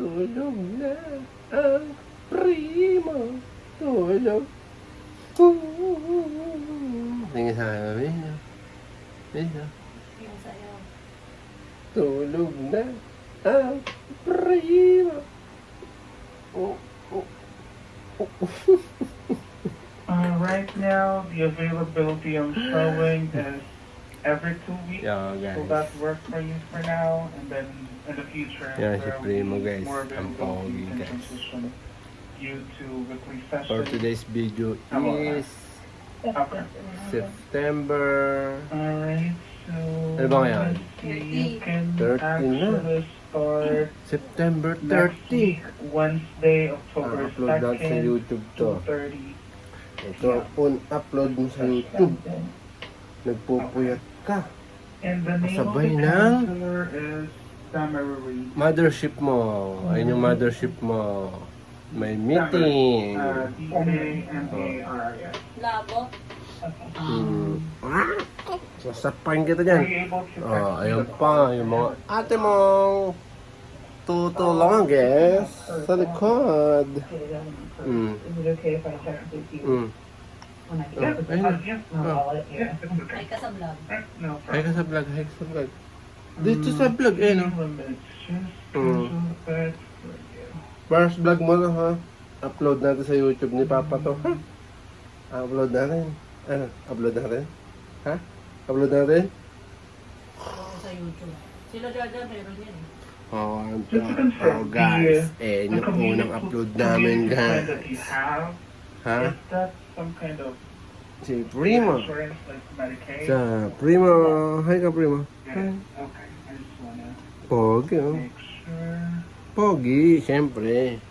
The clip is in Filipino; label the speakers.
Speaker 1: Tulog na ang primo. Tulog. Tingin sa akin, Mino. Mino.
Speaker 2: Yung sayaw.
Speaker 1: Tulog na ang primo. Oh, oh, oh.
Speaker 3: Right now, the availability I'm showing is every 2 weeks.
Speaker 1: Yeah,
Speaker 3: So
Speaker 1: guys.
Speaker 3: that works for you for now, and then in the future,
Speaker 1: Yeah, si
Speaker 3: there will
Speaker 1: Primo,
Speaker 3: be
Speaker 1: guys.
Speaker 3: more
Speaker 1: Ang
Speaker 3: availability
Speaker 1: pogi,
Speaker 3: and
Speaker 1: guys.
Speaker 3: transition due to weekly
Speaker 1: For
Speaker 3: sessions.
Speaker 1: today's video is
Speaker 3: Okay.
Speaker 1: September.
Speaker 3: Alright, so
Speaker 1: Ano ba ngayon?
Speaker 3: let's see, you can
Speaker 1: 30 na.
Speaker 3: actually start
Speaker 1: September
Speaker 3: next
Speaker 1: 30.
Speaker 3: week, Wednesday, October
Speaker 1: Upload natin sa
Speaker 3: 2nd,
Speaker 1: YouTube to.
Speaker 3: 2:30.
Speaker 1: Ito, upload mo sa YouTube. Nagpupuyat ka.
Speaker 3: And the name
Speaker 1: Sabay
Speaker 3: of the
Speaker 1: ng
Speaker 3: counselor is Summary.
Speaker 1: mothership mo. Ayun yung mothership mo. May meeting.
Speaker 3: D-A-M-A-R-I-S.
Speaker 2: Labo.
Speaker 1: Sasapain kita dyan.
Speaker 3: Are you able to
Speaker 1: Oh, ayun pa. Yung mga ate mong tutulungan, guys. Sa likod. Mm.
Speaker 4: Is it okay if I check with you
Speaker 1: Mm.
Speaker 4: when I
Speaker 1: Oh,
Speaker 4: get
Speaker 1: ayun.
Speaker 4: I'll let you.
Speaker 3: Yeah, it's okay.
Speaker 2: Ay ka sa vlog.
Speaker 3: No
Speaker 1: Ay
Speaker 3: problem.
Speaker 1: ka sa vlog, ay ka sa vlog. Dito sa vlog, eh, no? First vlog mo na, ha? Upload natin sa YouTube ni Papa to, ha? Upload natin. Ano? Upload natin? Ha? Upload natin?
Speaker 2: Sa YouTube. Sila Jaja, meron yan eh.
Speaker 1: Oh,
Speaker 3: Just to confirm,
Speaker 1: guys. Eh, yung unang upload namin,
Speaker 3: plan that you
Speaker 1: guys.
Speaker 3: have,
Speaker 1: Ha?
Speaker 3: is that some kind of
Speaker 1: Si Primo.
Speaker 3: insurance like Medicaid?
Speaker 1: Sa Primo. Hi ka, Primo.
Speaker 3: Yeah, okay, I just wanna
Speaker 1: Pogi, oh.
Speaker 3: make sure.
Speaker 1: Pogi, syempre.